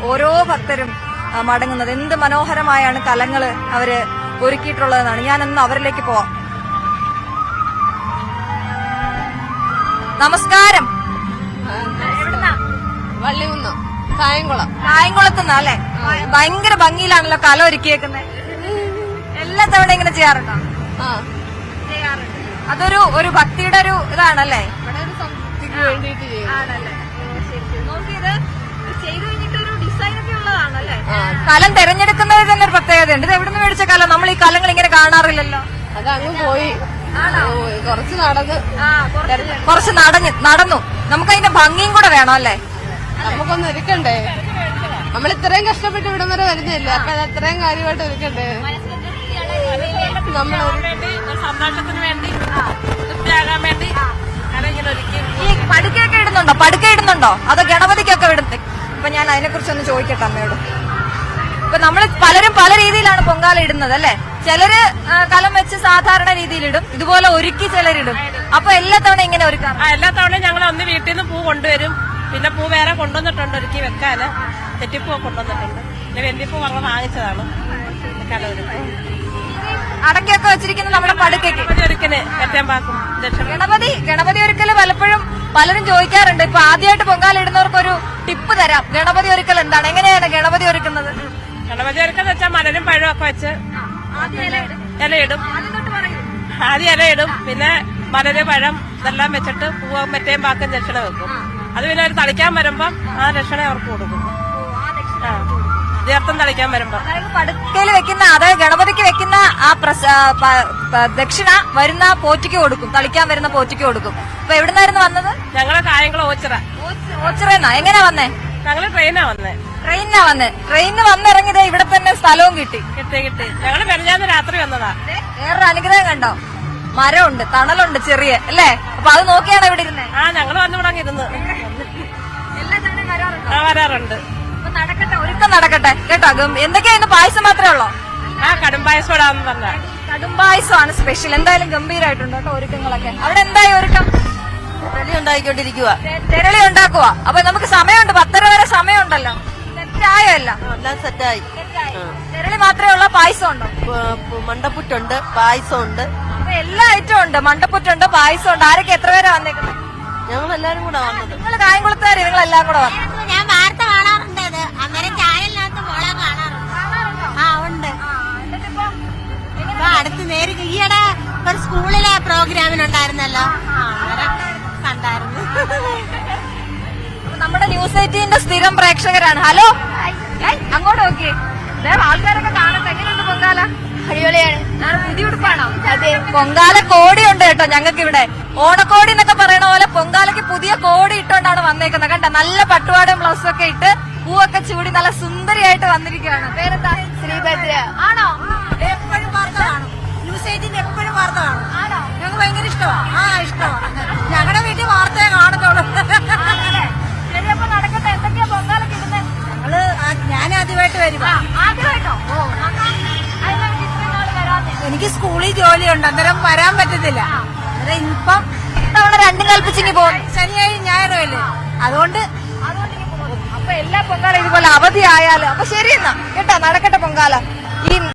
ഓരോ ഭക്തരും മടങ്ങുന്നത്. എന്ത് മനോഹരമായാണ് കലങ്ങള് അവര് ഒരുക്കിയിട്ടുള്ളതെന്നാണ്. ഞാനൊന്ന് അവരിലേക്ക് പോവാം. നമസ്കാരം. വള്ളികുന്നം, കായംകുളം. കായംകുളത്തുനിന്ന് അല്ലെ? ഭയങ്കര ഭംഗിയിലാണല്ലോ കല ഒരുക്കിയേക്കുന്നത്. എല്ലാ തവണ ഇങ്ങനെ ചെയ്യാറുണ്ടോ? ചെയ്യാറുണ്ട്. അതൊരു ഒരു ഭക്തിയുടെ ഒരു ഇതാണല്ലേ? വേണ്ടിട്ട് ആണല്ലേ? നോക്കിയത് ചെയ്തു കഴിഞ്ഞിട്ട് ഒരു ഡിസൈൻ ഒക്കെ ഉള്ളതാണല്ലേ? കലം തെരഞ്ഞെടുക്കുന്നതിൽ തന്നെ ഒരു പ്രത്യേകതയുണ്ട്. ഇത് എവിടുന്ന് മേടിച്ച കലം? നമ്മൾ ഈ കലങ്ങൾ ഇങ്ങനെ കാണാറില്ലല്ലോ. അതങ്ങ് പോയി കുറച്ച് നടന്നു. നമുക്ക് അതിന്റെ ഭംഗിയും കൂടെ വേണം അല്ലേ? നമുക്കൊന്ന് ഒരുക്കണ്ടേ? നമ്മൾ ഇത്രയും കഷ്ടപ്പെട്ട് ഇവിടം വരെ വരുന്നില്ല, അപ്പൊ അത് അത്രയും കാര്യമായിട്ട് ഒരുക്കണ്ടേ? നമ്മൾ സന്തോഷത്തിന് വേണ്ടി തൃപ്തിയാകാൻ വേണ്ടി ഈ പടുക്കയൊക്കെ ഇടുന്നുണ്ടോ? പടുക്ക ഇടുന്നുണ്ടോ? അതോ ഗണപതിക്കൊക്കെ ഇടുന്നത്? ഇപ്പൊ ഞാൻ അതിനെ കുറിച്ചൊന്ന് ചോദിക്കട്ടെ അമ്മയോട്. ഇപ്പൊ നമ്മൾ പലരും പല രീതിയിലാണ് പൊങ്കാല ഇടുന്നത് അല്ലെ? ചിലര് കലം വെച്ച് സാധാരണ രീതിയിലിടും, ഇതുപോലെ ഒരുക്കി ചിലരിടും. അപ്പൊ എല്ലാ തവണ ഇങ്ങനെ ഒരുക്കാം? എല്ലാ തവണയും ഞങ്ങൾ ഒന്ന് വീട്ടിൽ നിന്ന് പൂ കൊണ്ടുവരും, പിന്നെ പൂ വേറെ കൊണ്ടുവന്നിട്ടുണ്ട് ഒരുക്കി വെക്കാന്. തെറ്റിപ്പൂ കൊണ്ടുവന്നിട്ടുണ്ട്, പിന്നെ വെന്തിപ്പൂ വാങ്ങിച്ചതാണ്. അടക്കൊക്കെ വെച്ചിരിക്കുന്നത് നമ്മുടെ പടുക്കയ്ക്ക് ഗണപതി ഒരുക്കല് പലപ്പോഴും പലരും ചോദിക്കാറുണ്ട്. ഇപ്പൊ ആദ്യമായിട്ട് പൊങ്കാല ഇടുന്നവർക്ക് ഒരു ടിപ്പ് തരാം. ഗണപതി ഒരുക്കൽ എന്താണ്, എങ്ങനെയാണ് ഗണപതി ഒരുക്കുന്നത്? ഗണപതി ഒരുക്കെന്ന് വെച്ചാൽ മലരും പഴവും ഒക്കെ വെച്ച് ഇലയിടും. ആദ്യം ഇലയിടും, പിന്നെ മലര് പഴം ഇതെല്ലാം വെച്ചിട്ട് പൂവും മറ്റേയും പാക്കും ദക്ഷിണ വെക്കും. അത് പിന്നെ അവർ തളിക്കാൻ വരുമ്പം ആ ദക്ഷിണ അവർക്ക് കൊടുക്കും. തീർത്ഥം തളിക്കാൻ വരുമ്പോ പടുക്കയിൽ വെക്കുന്ന, അതായത് ഗണപതിക്ക് വെക്കുന്ന ആ ദക്ഷിണ വരുന്ന പോറ്റിക്ക് കൊടുക്കും, തളിക്കാൻ വരുന്ന പോറ്റിക്ക് കൊടുക്കും. അപ്പൊ എവിടുന്നായിരുന്നു വന്നത്? ഞങ്ങള് കായംകുളം ഓച്ചിറന്നാ. എങ്ങനെയാ വന്നേ? ഞങ്ങള് ട്രെയിനാ വന്നേ. ട്രെയിനിന് വന്നിറങ്ങിയത് ഇവിടെ തന്നെ സ്ഥലവും കിട്ടി. ഞങ്ങള് മെനഞ്ഞാന്ന് രാത്രി വന്നതാ. വേറൊരു അനുഗ്രഹം കണ്ടോ? മരമുണ്ട്, തണലുണ്ട് ചെറിയ അല്ലേ? അപ്പൊ അത് നോക്കിയാണ് ഇവിടെ ഇരുന്നേ. ഞങ്ങള് വന്നിവിടെ ഇരുന്ന് വരാറുണ്ട്. നടക്കട്ടെ, ഒരുക്കം നടക്കട്ടെ കേട്ടോ. എന്തൊക്കെയാ ഇന്ന്? പായസം മാത്രമേ ഉള്ളോ? കടും പായസം ഇടാന്ന് പറഞ്ഞ കടും പായസമാണ് സ്പെഷ്യൽ. എന്തായാലും ഗംഭീരമായിട്ടുണ്ട് കേട്ടോ ഒരുക്കങ്ങളൊക്കെ. അവിടെ എന്തായി ഒരുക്കം? ഉണ്ടായിക്കൊണ്ടിരിക്കുക, തെരളി ഉണ്ടാക്കുക. അപ്പൊ നമുക്ക് സമയമുണ്ട്, 10:30 വരെ സമയമുണ്ടല്ലോ. സെറ്റായോ? എല്ലാം സെറ്റായി. തെരളി മാത്രമേ ഉള്ളൂ? പായസം ഉണ്ടോ? മണ്ടപ്പുറ്റുണ്ട്, പായസം ഉണ്ട്, എല്ലാ ഐറ്റവും ഉണ്ട്. മണ്ടപ്പുറ്റുണ്ട്, പായസം ഉണ്ട്. ആരൊക്കെ എത്ര പേരാ വന്നേക്കുന്നത്? ഞങ്ങൾ എല്ലാരും കൂടെ വന്നത്. നിങ്ങൾ കായംകുളത്തുകാര്, നിങ്ങൾ എല്ലാം കൂടെ വന്നു. ഞാൻ വാർത്ത കാണാറുണ്ട്, അന്നേരം ചാനലിനകത്ത് മോളെ കാണാറുണ്ട്. ഉണ്ട്. അടുത്ത് നേരിട്ട് ഈയിടെ ഒരു സ്കൂളിലെ പ്രോഗ്രാമിനുണ്ടായിരുന്നല്ലോ, അന്നേരം കണ്ടായിരുന്നു. നമ്മുടെ ന്യൂസ് 18ന്റെ സ്ഥിരം പ്രേക്ഷകരാണ്. ഹലോ, അങ്ങോട്ട് നോക്കിയേ. ആൾക്കാരൊക്കെ കാണട്ടെ. എങ്ങനെയുണ്ട് പൊങ്കാല? അടിപൊളിയാണ്. പുതിയ ഉടുപ്പാണോ? അതെ, പൊങ്കാല കോടിയുണ്ട് കേട്ടോ ഞങ്ങൾക്ക് ഇവിടെ. ഓണക്കോടി എന്നൊക്കെ പറയണ പോലെ പൊങ്കാലയ്ക്ക് പുതിയ കോടി ഇട്ടോണ്ടാണ് വന്നേക്കുന്നത്. കണ്ട, നല്ല പട്ടുപാടും ബ്ലൗസും ഒക്കെ ഇട്ട് പൂവൊക്കെ ചൂടി നല്ല സുന്ദരിയായിട്ട് വന്നിരിക്കുകയാണ്. പേരെന്താ? ശ്രീഭദ്ര. ആണോ? എപ്പോഴും വാർത്ത കാണും, ന്യൂസ് 18 എപ്പോഴും വാർത്ത കാണും. ആണോ? ഞങ്ങൾക്ക് ഭയങ്കര ഇഷ്ടമാണ്. ഇഷ്ടമാണ്. ഞങ്ങളുടെ വീട്ടിൽ വാർത്തയെ കാണത്തുള്ളൂ. ശരി, അപ്പൊ നടക്കട്ടെ. എന്തൊക്കെയാ പൊങ്കാലൊക്കെ ഇടുന്നത്? ഞാൻ ആദ്യമായിട്ട് വരുവാ. ആദ്യമായിട്ടോ? എനിക്ക് സ്കൂളിൽ ജോലിയുണ്ട്, അന്നേരം വരാൻ പറ്റത്തില്ല. അന്നേരം ഇപ്പം തവണ രണ്ടും കൽപ്പിച്ചിങ്ങി പോകും. ശനിയായി ഞായറുമല്ലേ, അതുകൊണ്ട് അപ്പൊ എല്ലാ പൊങ്കാല ഇതുപോലെ അവധി ആയാലും. അപ്പൊ ശരി എന്നാ കേട്ടോ, നടക്കട്ടെ പൊങ്കാല. ഈ